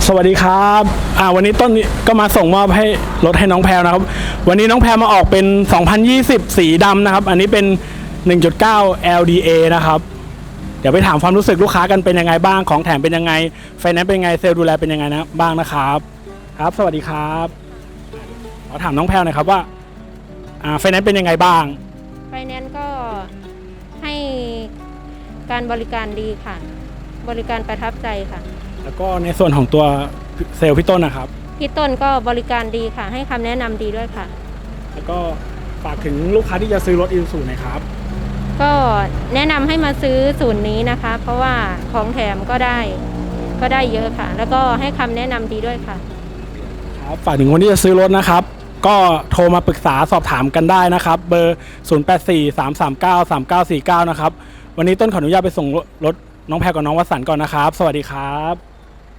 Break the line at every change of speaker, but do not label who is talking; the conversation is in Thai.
สวัสดีครับวันนี้ต้นก็มาส่งมอบให้รถให้น้องแพรนะครับวันนี้น้องแพรมาออกเป็น 2020 สีดำนะครับอันนี้เป็น 1.9 LDA นะครับเดี๋ยวไปถามความรู้สึกลูกค้ากันเป็นยังไงบ้างของแถมเป็นยังไงไฟแนนซ์เป็นยังไงเซลล์ดูแลเป็นยังไงนะบ้างนะครับครับสวัสดีครับขอถามน้องแพรหน่อยครับว่าไฟแนนซ์เป็นยังไงบ้าง
ไฟแนนซ์ก็ให้การบริการดีค่ะบริการประทับใจค่ะ
แล้วก็ในส่วนของตัวเซลล์พี่ต้นนะครับ
พี่ต้นก็บริการดีค่ะให้คำแนะนำดีด้วยค่ะ
แล้วก็ฝากถึงลูกค้าที่จะซื้อรถอีซูซูหน่อยครับ
ก็แนะนำให้มาซื้อศูนย์นี้นะคะเพราะว่าของแถมก็ได้เยอะค่ะแล้วก็ให้คำแนะนำดีด้วยค่ะ
ครับฝากถึงคนที่จะซื้อรถนะครับก็โทรมาปรึกษาสอบถามกันได้นะครับเบอร์ 0843393949 นะครับวันนี้ต้นขออนุญาตไปส่งรถน้องแพรกับน้องวสันต์ก่อนนะครับสวัสดีครับ